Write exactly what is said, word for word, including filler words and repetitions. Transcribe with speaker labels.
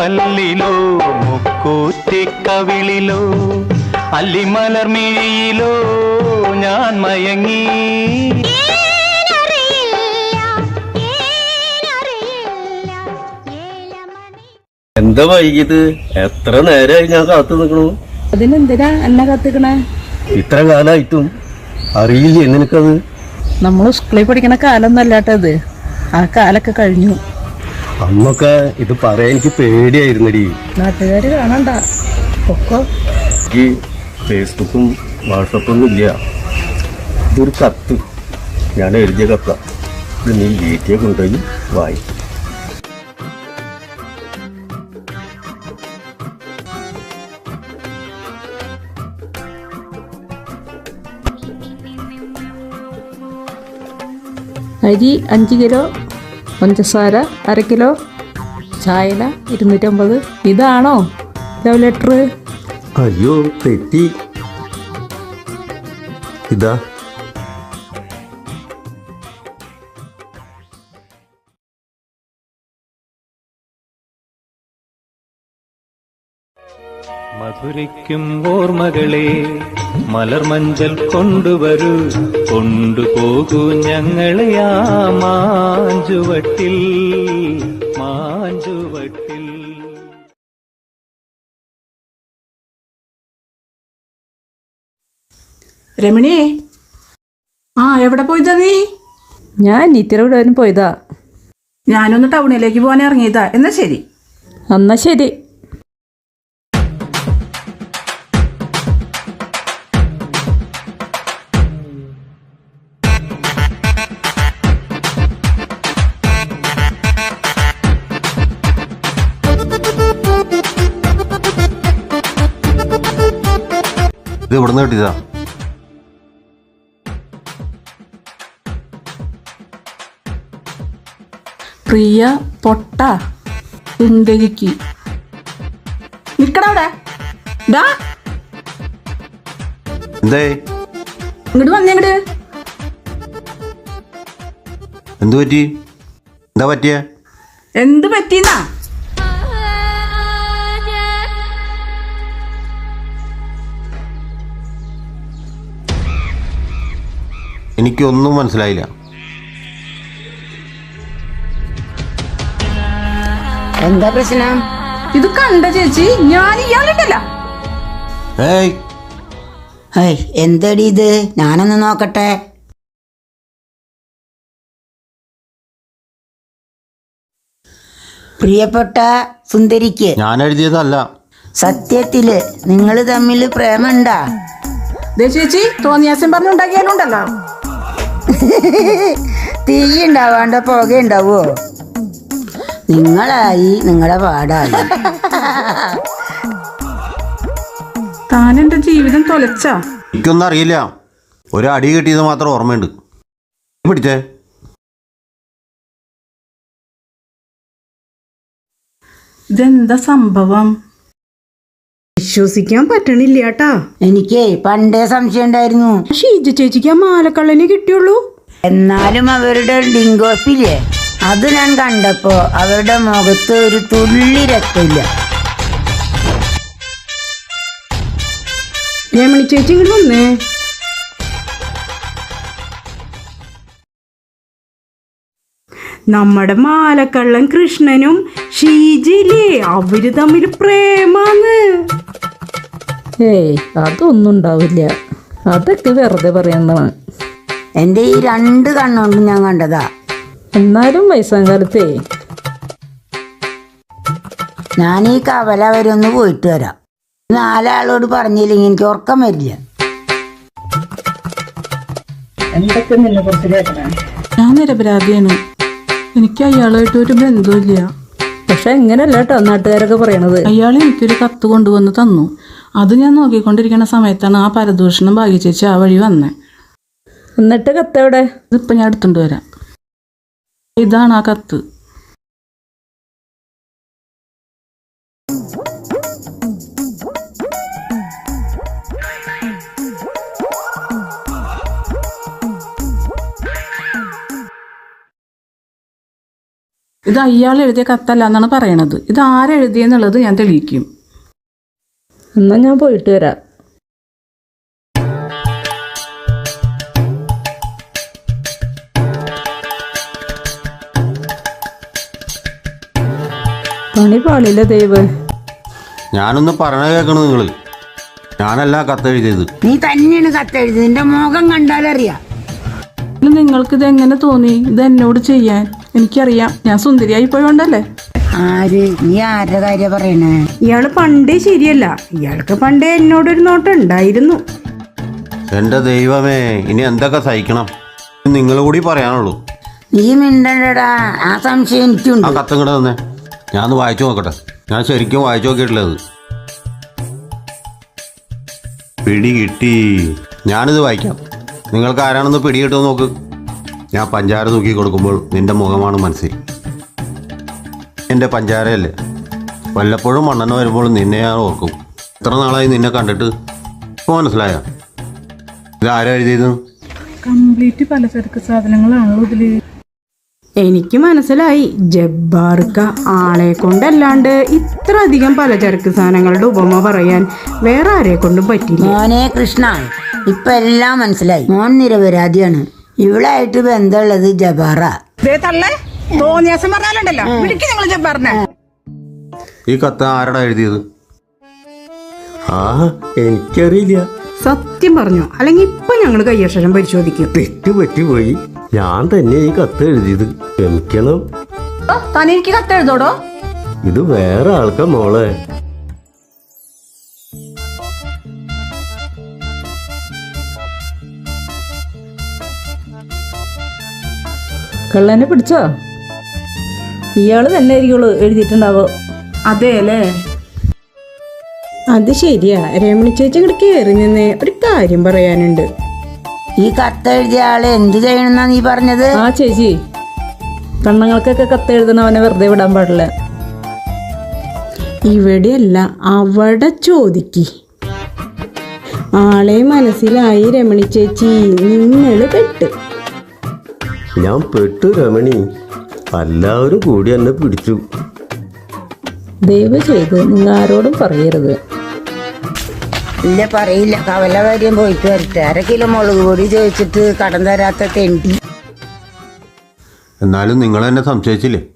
Speaker 1: പല്ലിലോ മുക്കൂറ്റിക്കവിളിലോ അല്ലിമലർമിഴിയിലോ ഞാൻ മയങ്ങി.
Speaker 2: എന്താ വൈകിയത്? എത്ര നേരമായി ഞാൻ കാത്തു നിൽക്കണു.
Speaker 3: അതിനെന്തിനാ എന്നെ കത്തിക്കണേ?
Speaker 2: ഇത്ര കാലമായിട്ടും അറിയില്ലേ നിനക്കത്?
Speaker 3: നമ്മള് സ്കൂളിൽ പഠിക്കണ കാലം അല്ലാട്ടത്. ആ കാലൊക്കെ കഴിഞ്ഞു.
Speaker 2: അന്നൊക്കെ ഇത് പറയാൻ എനിക്ക് പേടിയായിരുന്നടി.
Speaker 3: നാട്ടുകാര് കാണണ്ട ഒക്കെ.
Speaker 2: ഈ ഫേസ്ബുക്കും വാട്സപ്പൊന്നും ഇല്ല. ഇതൊരു കത്ത്, ഞാൻ എഴുതിയ കത്ത. ഇത് നീ വീട്ടിൽ കൊണ്ടുപോയി വായി.
Speaker 3: അരി അഞ്ച് കിലോ, പഞ്ചസാര അര കിലോ, ചായല ഇരുന്നൂറ്റമ്പത്. ഇതാണോ ലവ് ലെറ്റർ?
Speaker 2: അയ്യോ തെറ്റി. ഇതാ.
Speaker 1: മധുരയ്ക്കും ഓർമ്മകളെ മലർമഞ്ചൽ കൊണ്ടുവരൂ, കൊണ്ടുപോകൂ ഞങ്ങളെ ആ മാഞ്ചുവട്ടിൽ മാഞ്ചുവട്ടിൽ.
Speaker 4: രമണിയെ, ആ എവിടെ പോയതാ നീ?
Speaker 3: ഞാൻ നിത്യര വിടാനും പോയതാ.
Speaker 4: ഞാനൊന്ന് ടൗണിലേക്ക് പോകാൻ ഇറങ്ങിയതാ. എന്നാ ശരി.
Speaker 3: എന്നാ ശരി.
Speaker 2: ഇത് എവിടെ നിന്ന് കിട്ടിയതാ?
Speaker 4: പ്രിയ പൊട്ട സുന്ദരിക്ക്. നിക്കടവിടെ.
Speaker 2: എന്തേ?
Speaker 4: ഇങ്ങോട്ട് വന്നേങ്ങട്.
Speaker 2: എന്തു പറ്റി? എന്താ പറ്റിയ?
Speaker 4: എന്ത് പറ്റിന്നാ?
Speaker 2: എനിക്കൊന്നും മനസ്സിലായില്ല.
Speaker 5: എന്താ പ്രശ്നം?
Speaker 4: ഇത് കണ്ട ചേച്ചി, ഞാൻ ഇയാളിട്ടല്ല.
Speaker 5: എന്തടി ഇത്? ഞാനൊന്ന് നോക്കട്ടെ. പ്രിയപ്പെട്ട സുന്ദരിക്ക്.
Speaker 2: ഞാൻ എഴുതിയതല്ല.
Speaker 5: സത്യത്തില് നിങ്ങൾ തമ്മിൽ പ്രേമുണ്ടാ?
Speaker 4: ചേച്ചി തോന്നിയാസം പറഞ്ഞുണ്ടാക്കിയാലുണ്ടല്ലോ.
Speaker 5: തീ ഉണ്ടാവാണ്ട പുക ഉണ്ടാവോ? നിങ്ങളായി നിങ്ങളുടെ പാടായി.
Speaker 4: താൻ എന്റെ ജീവിതം തൊലച്ച.
Speaker 2: എനിക്കൊന്നും അറിയില്ല. ഒരു അടി കിട്ടിയത് മാത്രം ഓർമ്മയുണ്ട്. പിടിച്ചേ.
Speaker 4: ഇതെന്താ സംഭവം? വിശ്വസിക്കാൻ പറ്റണില്ല കേട്ടാ.
Speaker 5: എനിക്ക് പണ്ടേ സംശയം ഉണ്ടായിരുന്നു.
Speaker 4: ഷീജ ചേച്ചിക്ക് ആ മാലക്കള്ളനെ കിട്ടിയുള്ളൂ.
Speaker 5: എന്നാലും അവരുടെ ഡിങ്കോപ്പില്ലേ, അത് ഞാൻ കണ്ടപ്പോ അവരുടെ മുഖത്ത് ഒരു തുള്ളി രക്തമില്ല.
Speaker 4: രമണി ചേച്ചി ഇങ്ങോട്ട് വന്നേ. നമ്മുടെ മാലക്കള്ളൻ കൃഷ്ണനും ഷീജില്ലേ, അവര് തമ്മിൽ പ്രേമാന്ന്.
Speaker 3: ഏയ് അതൊന്നും ഉണ്ടാവില്ല. അതൊക്കെ വെറുതെ പറയുന്നതാണ്.
Speaker 5: എൻ്റെ ഈ രണ്ട് കണ്ണുകൊണ്ട് ഞാൻ കണ്ടതാ.
Speaker 3: എന്നാലും വയസ്സാം കാലത്തേ
Speaker 5: ഞാൻ ഈ കവല വരെ ഒന്ന് പോയിട്ട് വരാം. നാലാളോട് പറഞ്ഞില്ലെങ്കിൽ എനിക്ക് ഉറക്കം വരില്ല.
Speaker 3: എന്തൊക്കെ നിന്നെ കുറിച്ച് കേൾക്കണേ?
Speaker 4: ഞാൻ നിരപരാധിയാണ്. എനിക്ക് അയാളായിട്ട് ഒരു ബന്ധമില്ല.
Speaker 3: പക്ഷെ എങ്ങനെയല്ല കേട്ടോ നാട്ടുകാരൊക്കെ പറയണത്.
Speaker 4: അയാൾ എനിക്കൊരു കത്ത് കൊണ്ടുവന്ന് തന്നു. അത് ഞാൻ നോക്കിക്കൊണ്ടിരിക്കുന്ന സമയത്താണ് ആ പരദൂഷണം ഭാഗ്യചേച്ചി ആ വഴി വന്നേ.
Speaker 3: എന്നിട്ട് കത്ത് എവിടെ?
Speaker 4: ഇതിപ്പോൾ ഞാൻ എടുത്തുകൊണ്ട് വരാം. ഇതാണ് ആ കത്ത്. ഇത് അയാൾ എഴുതിയ കത്തല്ല എന്നാണ് പറയണത്. ഇത് ആരെഴുതിയെന്നുള്ളത് ഞാൻ തെളിയിക്കും.
Speaker 3: എന്നാ ഞാൻ പോയിട്ട് വരാം. പണി പാളില്ല ദൈവ.
Speaker 2: ഞാനൊന്ന് പറഞ്ഞ കേൾക്കണം നിങ്ങൾ. ഞാനല്ല കത്തെഴുതിയത്.
Speaker 5: നീ തന്നെയാണ് കത്തെഴുതി, നിന്റെ മുഖം കണ്ടാലറിയാം.
Speaker 4: നിങ്ങൾക്കിത് എങ്ങനെ തോന്നി ഇത് എന്നോട് ചെയ്യാൻ? എനിക്കറിയാം, ഞാൻ സുന്ദരിയായി പോയോണ്ടല്ലേ.
Speaker 5: ആര്? നീ ആരുടെ കാര്യം പറയണേ?
Speaker 3: ഇയാള് പണ്ടേ ശരിയല്ല. ഇയാൾക്ക് പണ്ടേ എന്നോടൊരു നോട്ടം ഉണ്ടായിരുന്നു.
Speaker 2: എന്റെ ദൈവമേ, ഇനി എന്തൊക്കെ സഹിക്കണം? നിങ്ങൾ കൂടി പറയാനുള്ളൂ.
Speaker 5: നീ മിണ്ടണ്ടടാ, ആ സംശയം
Speaker 2: ആ
Speaker 5: എനിക്കുണ്ട്.
Speaker 2: കത്തും കൂടെ തന്നെ ഞാനൊന്ന് വായിച്ചു നോക്കട്ടെ. ഞാൻ ശരിക്കും വായിച്ചു നോക്കിയിട്ടില്ലത്. പിടി കിട്ടി. ഞാനിത് വായിക്കാം. നിങ്ങൾക്ക് ആരാണെന്ന് പിടി കിട്ടുമെന്ന് നോക്ക്. ഞാൻ പഞ്ചാര തൂക്കി കൊടുക്കുമ്പോൾ നിന്റെ മുഖമാണ് മനസ്സിൽ. എൻ്റെ പഞ്ചാരയല്ലേ. വല്ലപ്പോഴും മണ്ണെണ്ണ വരുമ്പോൾ നിന്നെ ഞാൻ ഓർക്കും. എത്ര നാളായി നിന്നെ കണ്ടിട്ട്. ഇപ്പോൾ മനസ്സിലായോ? ഇത് ആരാ എഴുതിയത്?
Speaker 4: കംപ്ലീറ്റ് പലചരക്ക് സാധനങ്ങളാണല്ലോ ഇതില്.
Speaker 3: എനിക്ക് മനസ്സിലായി. ജബ്ബാർക്ക ആളെ കൊണ്ടല്ലാണ്ട് ഇത്ര അധികം പലചരക്ക് സാധനങ്ങളുടെ ഉപമ പറയാൻ വേറെ ആരെ കൊണ്ടും പറ്റില്ല.
Speaker 5: മോനെ കൃഷ്ണ, ഇപ്പൊ എല്ലാം മനസ്സിലായി. മോൻ നിരപരാധിയാണ്. ഇവളായിട്ട് ബന്ധമുള്ളത് ജബാറ.
Speaker 2: ഈ കത്ത് ആരടാ എഴുതിയത്? ആ എനിക്കറിയില്ല.
Speaker 3: സത്യം പറഞ്ഞു, അല്ലെങ്കിൽ ഇപ്പൊ ഞങ്ങൾ കയ്യക്ഷരം പരിശോധിക്കും.
Speaker 2: തെറ്റ് പറ്റിപ്പോയി. ഞാൻ തന്നെ ഈ കത്ത് എഴുതിയത്. ക്ഷമിക്കണം.
Speaker 3: തനിക്ക് കത്ത് എഴുതോടോ?
Speaker 2: ഇത് വേറെ ആൾക്കാ മോളെ.
Speaker 3: കള്ളനെ പിടിച്ചോ? ഇയാള് തന്നെ ആയിരിക്കുള്ളൂ എഴുതിയിട്ടുണ്ടാവോ?
Speaker 4: അതെ അല്ലേ?
Speaker 3: അത് ശരിയാ. രമണി ചേച്ചി ഇവിടെ കയറി നിന്ന് ഒരു കാര്യം പറയാനുണ്ട്.
Speaker 5: ഈ കത്തെഴുതിയ ആള് എന്ത് ചെയ്യണമെന്നാ നീ പറഞ്ഞത്?
Speaker 3: ആ ചേച്ചി, പെണ്ണുങ്ങൾക്കൊക്കെ കത്ത് എഴുതണവനെ വെറുതെ വിടാൻ പാടില്ല. ഇവിടെയല്ല, അവിടെ ചോദിക്ക്. ആളെ മനസ്സിലായി രമണി ചേച്ചി, നിങ്ങള് പെട്ട്.
Speaker 2: ഞാൻ പെട്ടു രമണി. എല്ലാവരും കൂടി എന്നെ പിടിച്ചു.
Speaker 3: ദയവ് ചെയ്ത് നിങ്ങൾ ആരോടും പറയരുത്.
Speaker 5: ഇല്ല, പറയില്ല. കവല കാര്യം പോയിട്ട് വരട്ടെ. അര കിലോ മുളക് പൊടി ചോദിച്ചിട്ട് കടം തരാത്ത തെണ്ടി.
Speaker 2: എന്നാലും നിങ്ങൾ എന്നെ സംശയിച്ചില്ലേ?